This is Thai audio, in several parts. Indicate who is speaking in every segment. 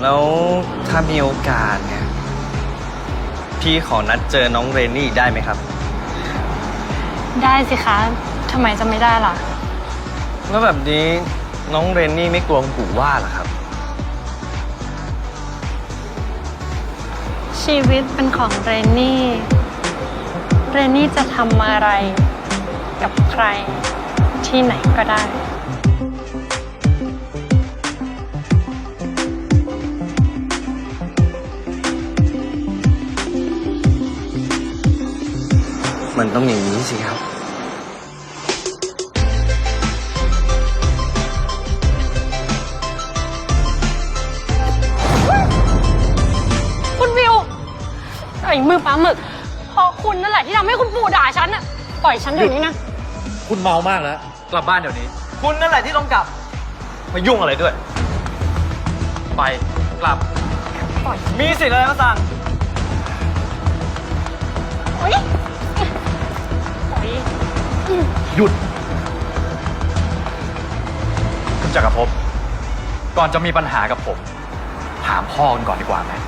Speaker 1: แล้วถ้ามีโอกาสเนี่ยพี่ขอนัดเจอน้องเรนนี่ได้ไหมครับ
Speaker 2: ได้สิคะทำไมจะไม่ได้ล่ะ
Speaker 1: แล้วแบบนี้น้องเรนนี่ไม่กลัวคุณปู่ว่าเหรอครับ
Speaker 2: ชีวิตเป็นของเรนนี่ เรนนี่จะทำอะไรกับใครที่ไหนก็ได้
Speaker 1: มันต้องอย่างนี้สิครับ
Speaker 2: คุณวิวไอ้มือปลาหมึกพอคุณนั่นแหละที่ทำให้คุณปู่ด่าฉันน่ะปล่อยฉันเดี๋ยวนี้นะ
Speaker 3: คุณเมามากแล้วกลับบ้านเดี๋ยวนี้
Speaker 1: คุณนั่นแหละที่ต้องกลับมายุ่งอะไรด้วยไปกลับ
Speaker 2: ปล่อย
Speaker 1: มีสิทธิ์อะไรมาสั่ง
Speaker 2: โอ๊ยปล่อย
Speaker 3: หยุดคุณจักรภพก่อนจะมีปัญหากับผมถามพ่อกันก่อนดีกว่าไหม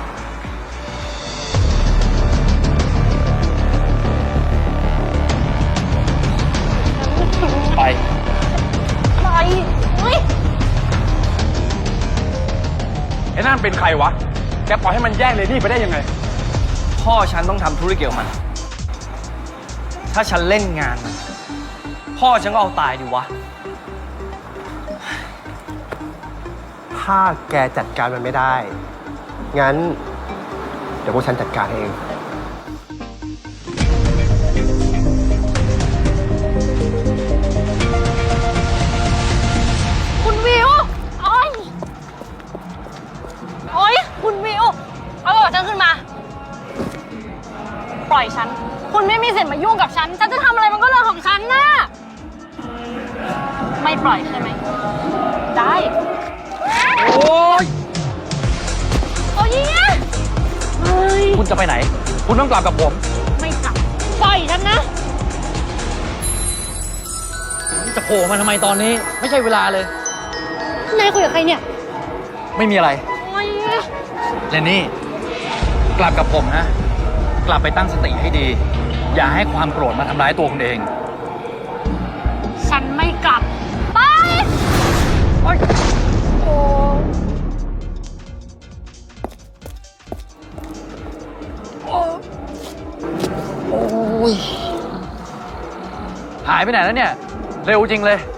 Speaker 3: ไป
Speaker 2: เฮ้ย
Speaker 3: ไอ้นั่นเป็นใครวะแกปล่อยให้มันแย่งเลนี่ไปได้ยังไง
Speaker 1: พ่อฉันต้องทำธุรกิจกับมันถ้าฉันเล่นงานมันพ่อฉันก็เอาตายดิวะ
Speaker 4: ถ้าแกจัดการมันไม่ได้งั้นเดี๋ยวพวกฉันจัดการเอง
Speaker 2: คุณวิวโอ๊ยโอ๊ยคุณวิวเอาบอกฉันขึ้นมาปล่อยฉันคุณไม่มีสิทธิ์มายุ่งกับฉันจะทำอะไรมันก็เรื่องของฉันนะไม่ปล่อยใช่ไหมได้
Speaker 3: โอ๊ย
Speaker 2: โอ๊ยเฮ้ย
Speaker 3: คุณจะไปไหนคุณต้องกลับกับผม
Speaker 2: ไม่กลับปล่อยฉันนะ
Speaker 3: จะโผล่มาทำไมตอนนี้ไม่ใช่เวลาเลย
Speaker 2: นายคุยกับใครเนี่ย
Speaker 3: ไม่มีอะไรเรนนี่กลับกับผมนะกลับไปตั้งสติให้ดีอย่าให้ความโกรธมาทำร้ายตัวคุณเอง
Speaker 2: ฉันไม่กลับไปโอ๊ยโอ้
Speaker 3: ยหายไปไหนแล้วเนี่ยเร็วจริงเลย